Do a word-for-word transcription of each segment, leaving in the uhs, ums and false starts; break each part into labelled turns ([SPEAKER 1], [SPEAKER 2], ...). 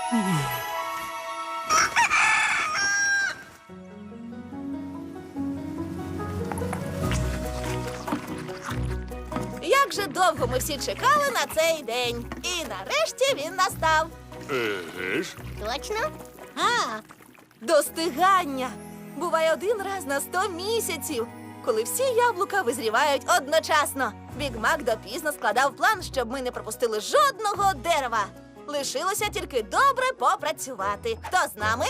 [SPEAKER 1] Як же довго ми всі чекали на цей день. І нарешті він настав.
[SPEAKER 2] Еге ж.
[SPEAKER 3] Точно?
[SPEAKER 1] А, достигання. Буває один раз на сто місяців, коли всі яблука визрівають одночасно. Біг Мак допізно складав план, щоб ми не пропустили жодного дерева. Лишилося тільки добре попрацювати. Хто з нами?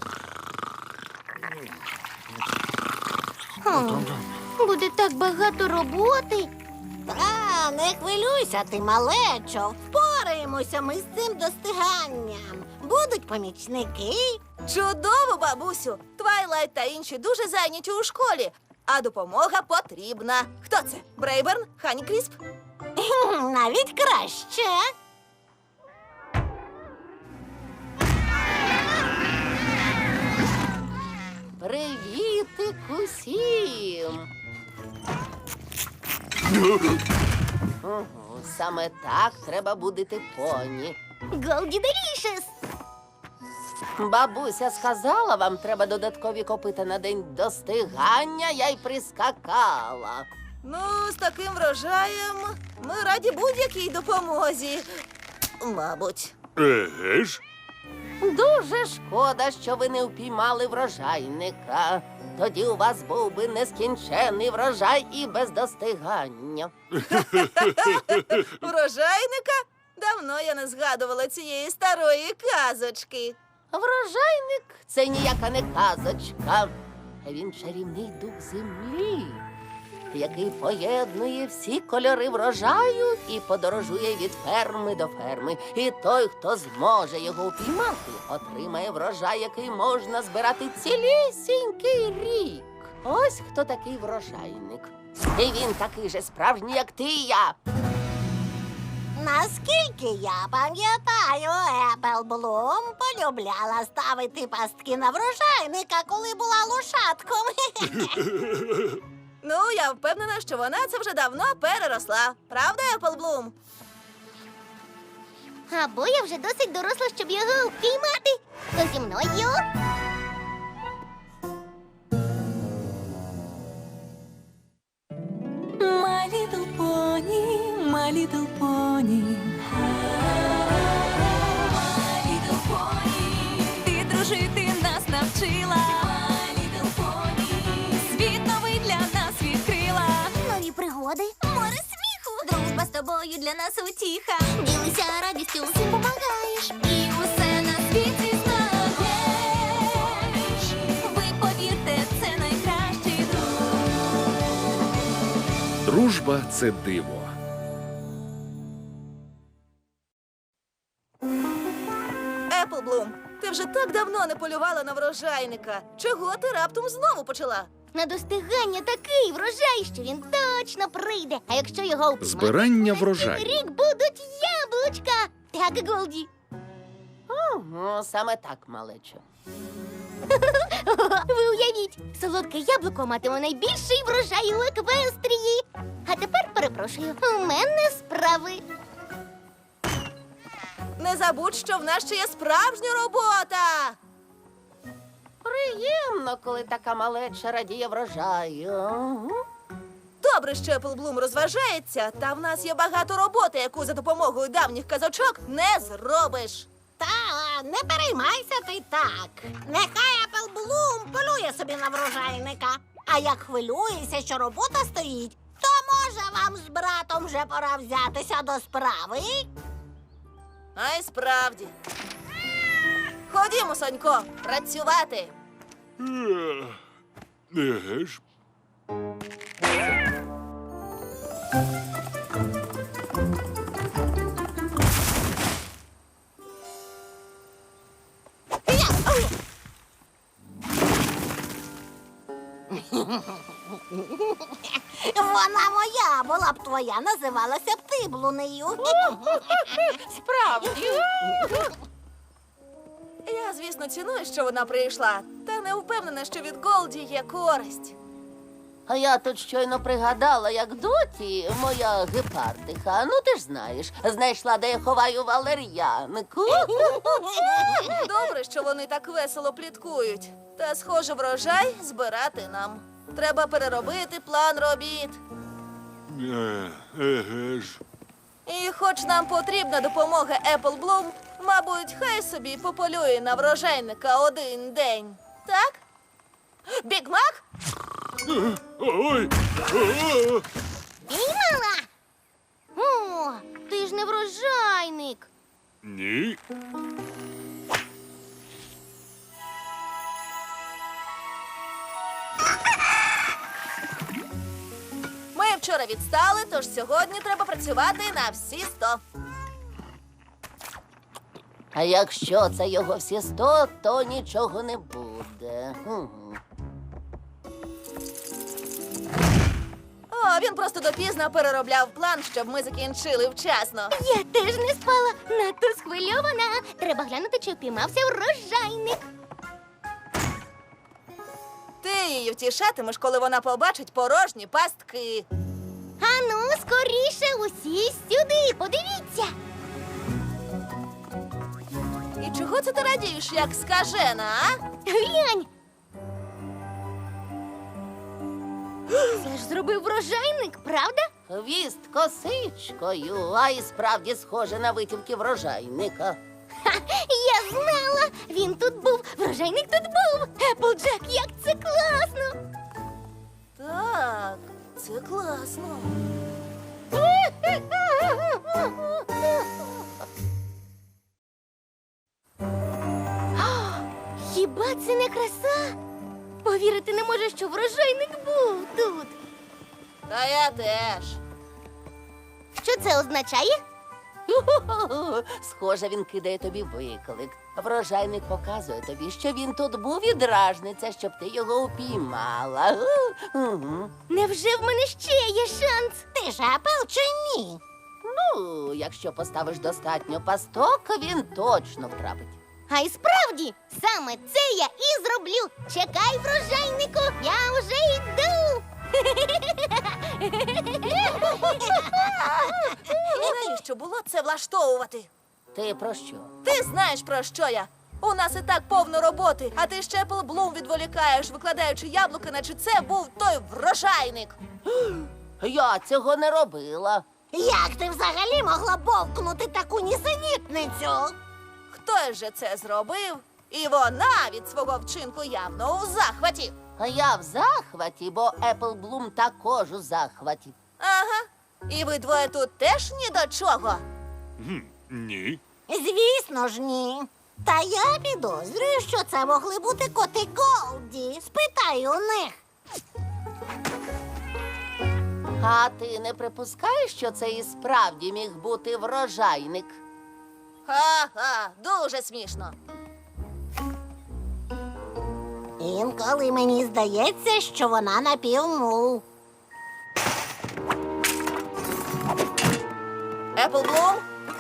[SPEAKER 3] Хм, буде так багато роботи.
[SPEAKER 4] Та, не хвилюйся, ти малечо. Впораємося ми з цим достиганням. Будуть помічники.
[SPEAKER 1] Чудово, бабусю! Твайлайт та інші дуже зайняті у школі, а допомога потрібна. Хто це? Брейберн? Ханікрісп?
[SPEAKER 4] Хм, Навіть краще.
[SPEAKER 5] Привітик усім! Угу, саме так треба будити поні.
[SPEAKER 3] Голді Делішес!
[SPEAKER 5] Бабуся сказала, вам треба додаткові копита на день достигання, я й прискакала.
[SPEAKER 1] Ну, з таким врожаєм ми раді будь-якій допомозі. Мабуть.
[SPEAKER 2] Еге ж.
[SPEAKER 5] Дуже шкода, що ви не впіймали врожайника. Тоді у вас був би нескінчений врожай і без достигання.
[SPEAKER 1] Врожайника? Давно я не згадувала цієї старої казочки.
[SPEAKER 5] Врожайник – це ніяка не казочка. Він чарівний дух землі, який поєднує всі кольори врожаю і подорожує від ферми до ферми. І той, хто зможе його упіймати, отримає врожай, який можна збирати цілісінький рік. Ось хто такий врожайник. І він такий же справжній, як ти і я.
[SPEAKER 4] Наскільки я пам'ятаю, Еплблум полюбляла ставити пастки на врожайника, коли була лошатком.
[SPEAKER 1] Ну, я впевнена, що вона це вже давно переросла. Правда, Еплблум?
[SPEAKER 3] Або я вже досить доросла, щоб його впіймати. То зі мною.
[SPEAKER 6] My little pony, my little pony. My little pony. Ти дружити нас навчила. My little pony. Світ новий для нас відкрила.
[SPEAKER 3] Нові пригоди.
[SPEAKER 6] Море сміху. Дружба з тобою для нас утіха.
[SPEAKER 3] Ділися радістю, всім помагаєш.
[SPEAKER 6] І усе на світі знаєш. Ви повірте, це найкращий друг.
[SPEAKER 7] Дружба – це диво.
[SPEAKER 1] Еплблум, ти вже так давно не полювала на врожайника. Чого ти раптом знову почала?
[SPEAKER 3] На достигання такий врожай, що він точно прийде. А якщо його впіймати,
[SPEAKER 7] Збирання
[SPEAKER 3] на
[SPEAKER 7] врожаю.
[SPEAKER 3] цілий рік будуть яблучка. Так, Голді.
[SPEAKER 5] Угу, саме так, малечо.
[SPEAKER 3] Ви уявіть, солодке яблуко матиме найбільший врожай у Еквестрії. А тепер, перепрошую, у мене справи.
[SPEAKER 1] Не забудь, що в нас ще є справжня робота.
[SPEAKER 5] Приємно, коли така малеча радіє врожаю. Угу.
[SPEAKER 1] Добре, що Еплблум розважається, та в нас є багато роботи, яку за допомогою давніх казочок не зробиш.
[SPEAKER 4] Та, не переймайся ти так. Нехай Еплблум полює собі на врожайника. А як хвилюєшся, що робота стоїть, то може вам з братом вже пора взятися до справи?
[SPEAKER 1] А й справді. Ходімо, Сонько, працювати.
[SPEAKER 2] Е, Еге ж.
[SPEAKER 4] Вона моя, була б твоя, називалася б ти блунею.
[SPEAKER 5] Справді.
[SPEAKER 1] Я, звісно, ціную, що вона прийшла, та не впевнена, що від Голді є користь.
[SPEAKER 5] А я тут щойно пригадала, як доті, моя гепардиха, ну ти ж знаєш, знайшла, де я ховаю валер'янку.
[SPEAKER 1] Добре, що вони так весело пліткують. Та, схоже, врожай збирати нам. Треба переробити план робіт.
[SPEAKER 2] Е, еге ж.
[SPEAKER 1] І хоч нам потрібна допомога Apple Bloom, мабуть, хай собі пополює на врожайника один день. Так? Біг Мак?
[SPEAKER 2] Ой! О!
[SPEAKER 3] Піймала! О, ти ж не врожайник.
[SPEAKER 2] Ні.
[SPEAKER 1] Ми вчора відстали, тож сьогодні треба працювати на всі сто.
[SPEAKER 5] А якщо це його всі сто, то нічого не буде. Угу.
[SPEAKER 1] О, він просто допізно переробляв план, щоб ми закінчили вчасно.
[SPEAKER 3] Я теж не спала, надто схвильована. Треба глянути, чи впіймався врожайник.
[SPEAKER 1] Ти її втішатимеш, коли вона побачить порожні пастки.
[SPEAKER 3] Ану, скоріше, усі сюди, подивіться.
[SPEAKER 1] І чого це ти радієш, як скажена, а?
[SPEAKER 3] Глянь. Це ж зробив врожайник, правда?
[SPEAKER 5] Хвіст косичкою, а і справді схоже на витівки врожайника.
[SPEAKER 3] Ха, я знала! Він тут був, врожайник тут був. Еплджек, як це класно!
[SPEAKER 1] Так, це класно.
[SPEAKER 3] Хіба це не краса? Повірити не можу, що врожайник був тут.
[SPEAKER 1] Та я теж.
[SPEAKER 3] Що це означає?
[SPEAKER 5] Ху-ху-ху. Схоже, він кидає тобі виклик. Врожайник показує тобі, що він тут був і дражниться, щоб ти його упіймала. Угу.
[SPEAKER 3] Невже в мене ще є шанс?
[SPEAKER 4] Ти ж Апл чи ні?
[SPEAKER 5] Ну, якщо поставиш достатньо пасток, він точно втрапить.
[SPEAKER 3] А й справді, саме це я і зроблю. Чекай, врожайнику, я вже йду.
[SPEAKER 1] І навіщо було це влаштовувати?
[SPEAKER 5] Ти про що?
[SPEAKER 1] Ти знаєш, про що я. У нас і так повно роботи, а ти ще Apple Bloom відволікаєш, викладаючи яблука, наче це був той врожайник.
[SPEAKER 5] Я цього не робила.
[SPEAKER 4] Як ти взагалі могла бовкнути таку нісенітницю?
[SPEAKER 1] Хтось же це зробив, і вона від свого вчинку явно у захваті.
[SPEAKER 5] А я в захваті, бо Apple Bloom також у захваті.
[SPEAKER 1] Ага. І ви двоє тут теж ні до чого.
[SPEAKER 2] Гм, ні.
[SPEAKER 4] Звісно ж, ні. Та я підозрюю, що це могли бути коти Голді. Спитай у них.
[SPEAKER 5] А ти не припускаєш, що це і справді міг бути врожайник?
[SPEAKER 1] Ха-ха, дуже смішно.
[SPEAKER 4] Інколи мені здається, що вона напівмул.
[SPEAKER 1] Apple Bloom?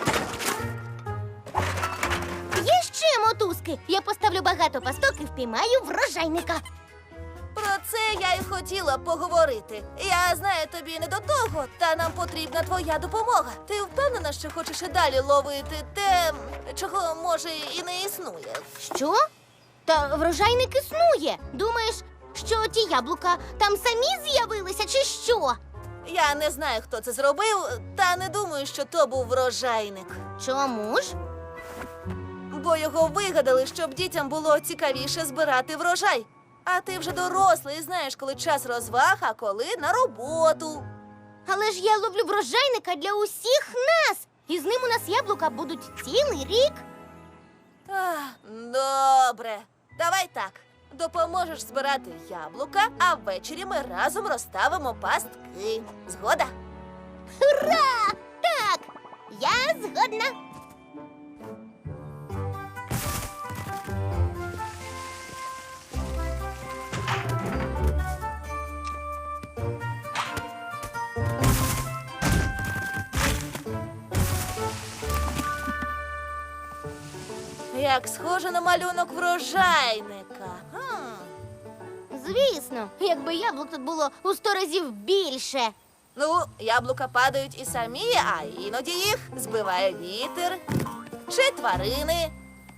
[SPEAKER 3] Є ще мотузки. Я поставлю багато пасток і впіймаю врожайника.
[SPEAKER 1] Про це я й хотіла поговорити. Я знаю, тобі не до того, та нам потрібна твоя допомога. Ти впевнена, що хочеш і далі ловити те, чого може і не існує.
[SPEAKER 3] Що? Та врожайник існує. Думаєш, що ті яблука там самі з'явилися, чи що?
[SPEAKER 1] Я не знаю, хто це зробив, та не думаю, що то був врожайник.
[SPEAKER 3] Чому ж?
[SPEAKER 1] Бо його вигадали, щоб дітям було цікавіше збирати врожай. А ти вже дорослий, і знаєш, коли час розваг, а коли на роботу.
[SPEAKER 3] Але ж я ловлю врожайника для усіх нас. І з ним у нас яблука будуть цілий рік.
[SPEAKER 1] Ах, добре. Давай так. Допоможеш збирати яблука, а ввечері ми разом розставимо пастки. Згода?
[SPEAKER 3] Ура! Так, я згодна.
[SPEAKER 1] Як схоже на малюнок врожайника. Хм.
[SPEAKER 3] звісно. Якби яблук тут було у сто разів більше.
[SPEAKER 1] Ну, яблука падають і самі, а іноді їх збиває вітер чи тварини.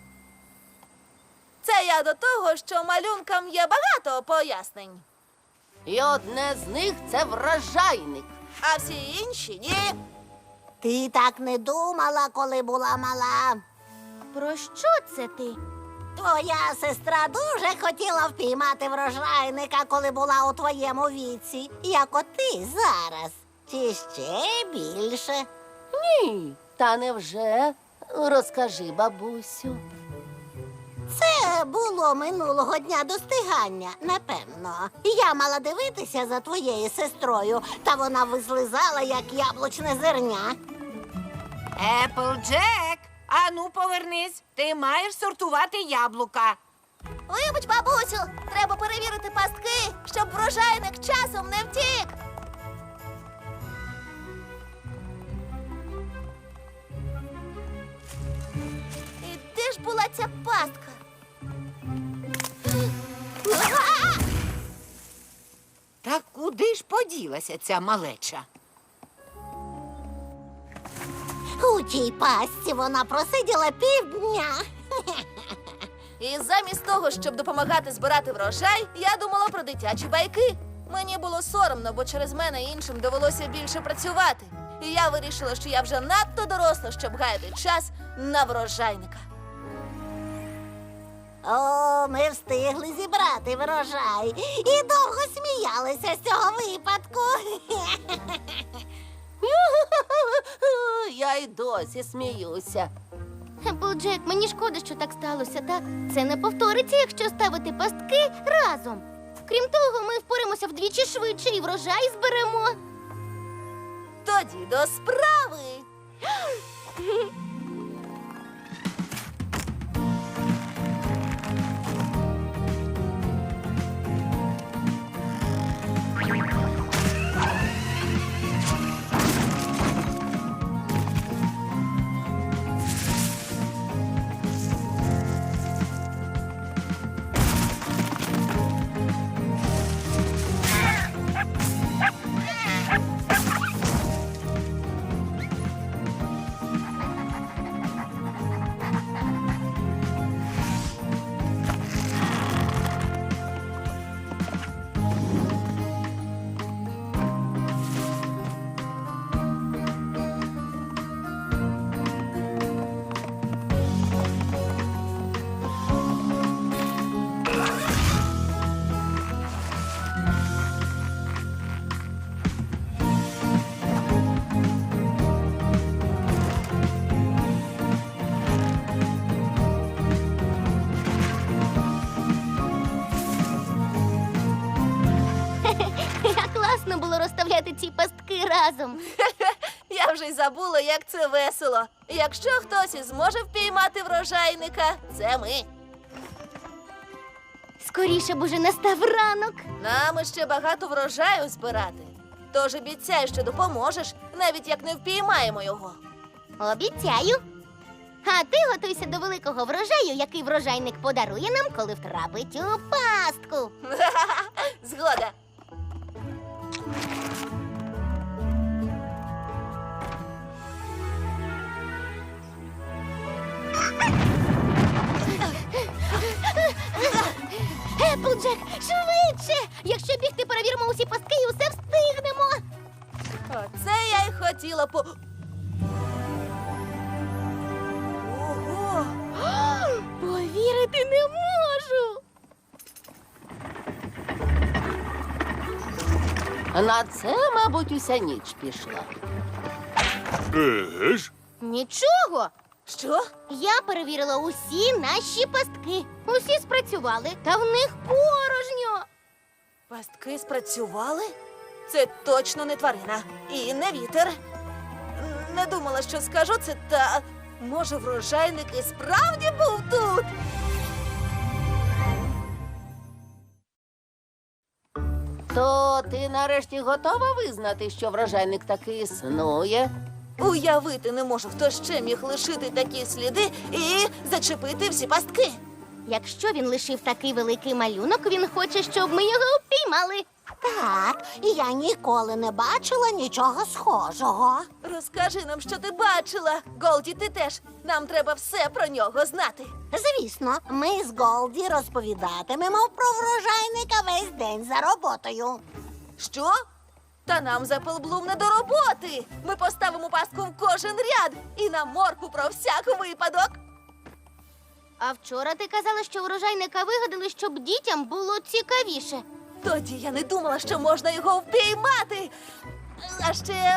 [SPEAKER 1] Це я до того, що малюнкам є багато пояснень,
[SPEAKER 5] І одне з них це врожайник.
[SPEAKER 1] а всі інші ні.
[SPEAKER 4] Ти так не думала, коли була мала.
[SPEAKER 3] Про що це ти?
[SPEAKER 4] Твоя сестра дуже хотіла впіймати врожайника, коли була у твоєму віці, як от ти зараз. Чи ще більше?
[SPEAKER 5] Ні, та невже? Розкажи, бабусю.
[SPEAKER 4] Це було минулого дня достигання, напевно. Я мала дивитися за твоєю сестрою, та вона вислизала, як яблучне зерня.
[SPEAKER 7] Еплджек, ану повернись. Ти маєш сортувати яблука.
[SPEAKER 1] Вибач, бабусю, треба перевірити пастки, щоб врожайник часом не втік. І де ж була ця пастка?
[SPEAKER 7] Та куди ж поділася ця малеча?
[SPEAKER 4] У тій пастці вона просиділа півдня.
[SPEAKER 1] І замість того, щоб допомагати збирати врожай, я думала про дитячі байки. Мені було соромно, бо через мене іншим довелося більше працювати. І я вирішила, що я вже надто доросла, щоб гаяти час на врожайника.
[SPEAKER 4] О, ми встигли зібрати врожай і довго сміялися з цього випадку.
[SPEAKER 5] Я й досі сміюся.
[SPEAKER 3] Еплджек, мені шкода, що так сталося, та це не повториться, якщо ставити пастки разом. Крім того, ми впораємося вдвічі швидше і врожай зберемо.
[SPEAKER 1] Тоді до справи.
[SPEAKER 3] Як класно було розставляти ці пастки разом.
[SPEAKER 1] Я вже й забула, як це весело. Якщо хтось і зможе впіймати врожайника, це ми.
[SPEAKER 3] Скоріше б уже настав ранок.
[SPEAKER 1] Нам ще багато врожаю збирати. Тож обіцяй, що допоможеш, навіть як не впіймаємо його.
[SPEAKER 3] Обіцяю. А ти готуйся до великого врожаю, який врожайник подарує нам, коли втрапить у пастку.
[SPEAKER 1] Згода.
[SPEAKER 3] Еплджек, швидше! Якщо бігти, перевіримо усі пастки і усе встигнемо.
[SPEAKER 1] Оце я й хотіла по. Ого!
[SPEAKER 3] Повірити не можу.
[SPEAKER 5] На це, мабуть, уся ніч пішла.
[SPEAKER 2] Еге ж?
[SPEAKER 3] Нічого.
[SPEAKER 1] Що?
[SPEAKER 3] Я перевірила усі наші пастки. Усі спрацювали, та в них порожньо.
[SPEAKER 1] Пастки спрацювали? Це точно не тварина. І не вітер. Не думала, що скажу це, та може врожайник і справді був тут.
[SPEAKER 5] То ти нарешті готова визнати, що врожайник таки існує?
[SPEAKER 1] Уявити не можу, хто ще міг лишити такі сліди і зачепити всі пастки.
[SPEAKER 3] Якщо він лишив такий великий малюнок, він хоче, щоб ми його упіймали.
[SPEAKER 4] Так, і я ніколи не бачила нічого схожого.
[SPEAKER 1] Розкажи нам, що ти бачила. Голді, ти теж. Нам треба все про нього знати.
[SPEAKER 4] Звісно, ми з Голді розповідатимемо про врожайника весь день за роботою.
[SPEAKER 1] Що? Та нам за Пелблум не до роботи. Ми поставимо пастку в кожен ряд і на морку про всяк випадок.
[SPEAKER 3] А вчора ти казала, що врожайника вигадали, щоб дітям було цікавіше.
[SPEAKER 1] Тоді я не думала, що можна його впіймати. А ще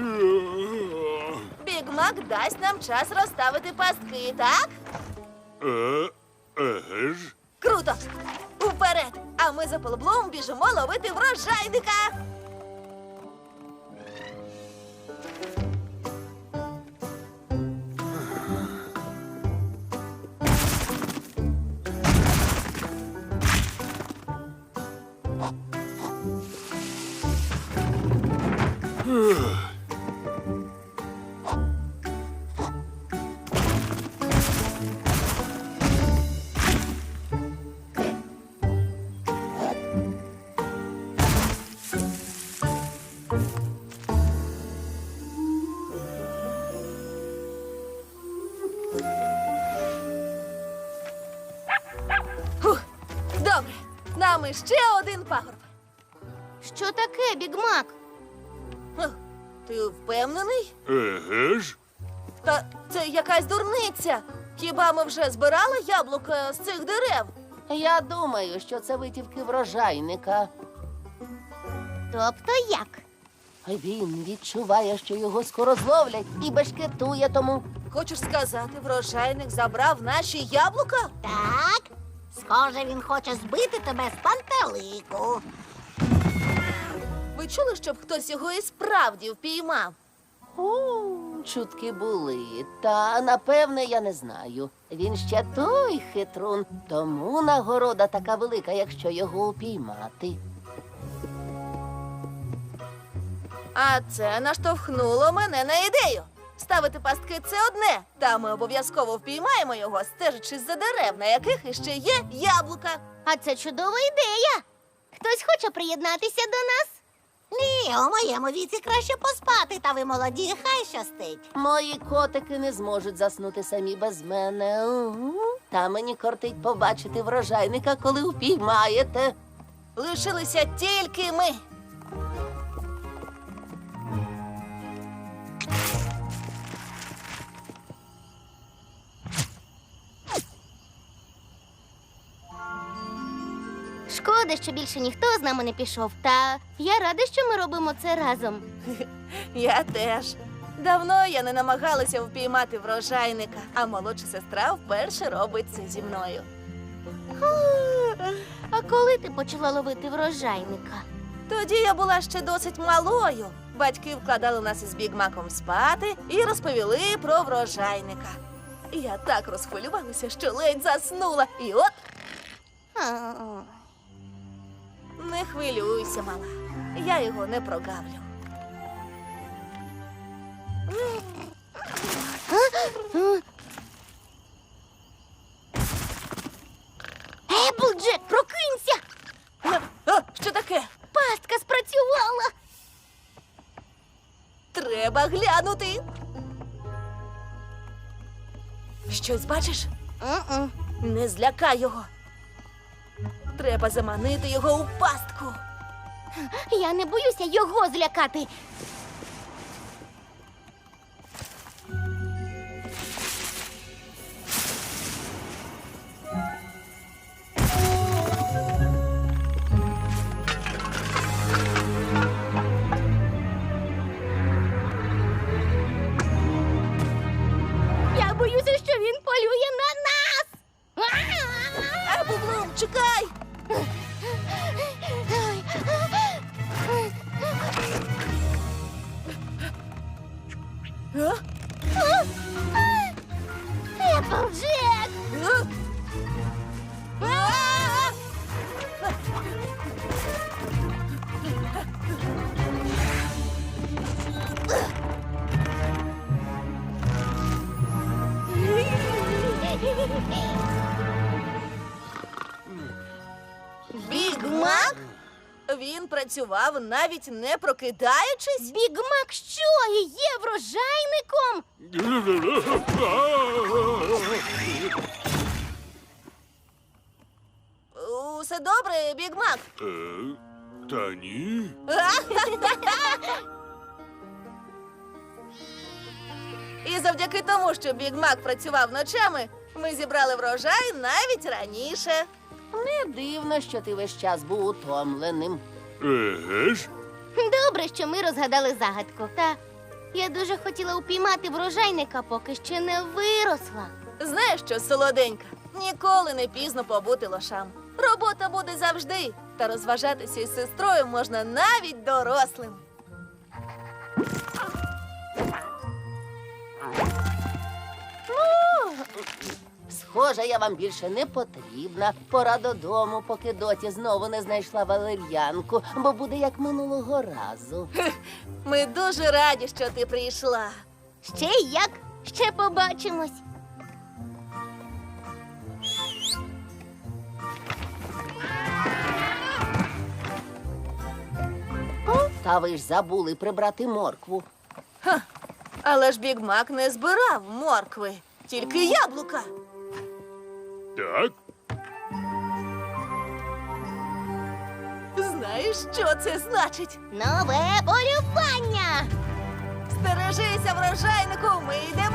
[SPEAKER 1] Біг Мак дасть нам час розставити пастки, так?
[SPEAKER 2] Е, еге ж.
[SPEAKER 1] Круто! Уперед! А ми за Пелблум біжимо ловити врожайника! Фух, добре, нам іще один пагорб.
[SPEAKER 3] Що таке, Біг Мак?
[SPEAKER 1] Хм, Ти впевнений?
[SPEAKER 2] Еге ж.
[SPEAKER 1] Та це якась дурниця. Хіба ми вже збирали яблука з цих дерев?
[SPEAKER 5] Я думаю, що це витівки врожайника.
[SPEAKER 3] Тобто як?
[SPEAKER 5] Він відчуває, що його скоро зловлять і бешкетує тому.
[SPEAKER 1] Хочеш сказати, врожайник забрав наші яблука?
[SPEAKER 4] Так, схоже, він хоче збити тебе з пантелику.
[SPEAKER 1] Ви чули, щоб хтось його і справді впіймав?
[SPEAKER 5] У, чутки були, та напевне я не знаю. Він ще той хитрун, тому нагорода така велика, якщо його упіймати.
[SPEAKER 1] А це наштовхнуло мене на ідею. Ставити пастки – це одне, та ми обов'язково впіймаємо його, стежачи за дерев, на яких іще є яблука.
[SPEAKER 3] А це чудова ідея. Хтось хоче приєднатися до нас?
[SPEAKER 4] Ні, у моєму віці краще поспати, та ви молоді, хай щастить.
[SPEAKER 5] Мої котики не зможуть заснути самі без мене. Угу. Та мені кортить побачити врожайника, коли упіймаєте.
[SPEAKER 1] Лишилися тільки ми.
[SPEAKER 3] Шкода, що більше ніхто з нами не пішов. Та я рада, що ми робимо це разом.
[SPEAKER 1] Я теж. Давно я не намагалася впіймати врожайника, а молодша сестра вперше робить це зі мною.
[SPEAKER 3] А коли ти почала ловити врожайника?
[SPEAKER 1] Тоді я була ще досить малою. Батьки вкладали нас із Біг Маком спати і розповіли про врожайника. Я так розхвилювалася, що ледь заснула. І от
[SPEAKER 3] А,
[SPEAKER 1] не хвилюйся, мала. Я його не прогавлю.
[SPEAKER 3] Еплджек, прокинься!
[SPEAKER 1] А, що таке?
[SPEAKER 3] Пастка спрацювала!
[SPEAKER 1] Треба глянути. Щось бачиш?
[SPEAKER 3] М-м.
[SPEAKER 1] Не злякай його. Треба заманити його у пастку.
[SPEAKER 3] Я не боюся його злякати. Я боюся, що він полює на нас.
[SPEAKER 1] Еплблум, чекай! А?
[SPEAKER 3] Еплджек!
[SPEAKER 1] А? А? він працював навіть не прокидаючись?
[SPEAKER 3] Біг Мак що, і є врожайником?
[SPEAKER 1] Усе добре, Біг Мак?
[SPEAKER 2] Е, Та ні.
[SPEAKER 1] І завдяки тому, що Біг Мак працював ночами, ми зібрали врожай навіть раніше.
[SPEAKER 5] Не дивно, що ти весь час був утомленим.
[SPEAKER 2] Еге ж?
[SPEAKER 3] Добре, що ми розгадали загадку. Та я дуже хотіла упіймати врожайника, поки ще не виросла.
[SPEAKER 1] Знаєш що, солоденька, ніколи не пізно побути лошам. Робота буде завжди, та розважатися із сестрою можна навіть дорослим.
[SPEAKER 5] Схоже, я вам більше не потрібна. Пора додому, поки доті знову не знайшла валер'янку, бо буде як минулого разу.
[SPEAKER 1] Ми дуже раді, що ти прийшла.
[SPEAKER 3] Ще як? Ще побачимось.
[SPEAKER 5] Та ви ж забули прибрати моркву.
[SPEAKER 1] Але ж Біг Мак не збирав моркви, тільки яблука.
[SPEAKER 2] Так?
[SPEAKER 1] Знаєш, що це значить?
[SPEAKER 3] Нове полювання!
[SPEAKER 1] Стережися, врожайнику, ми йдемо.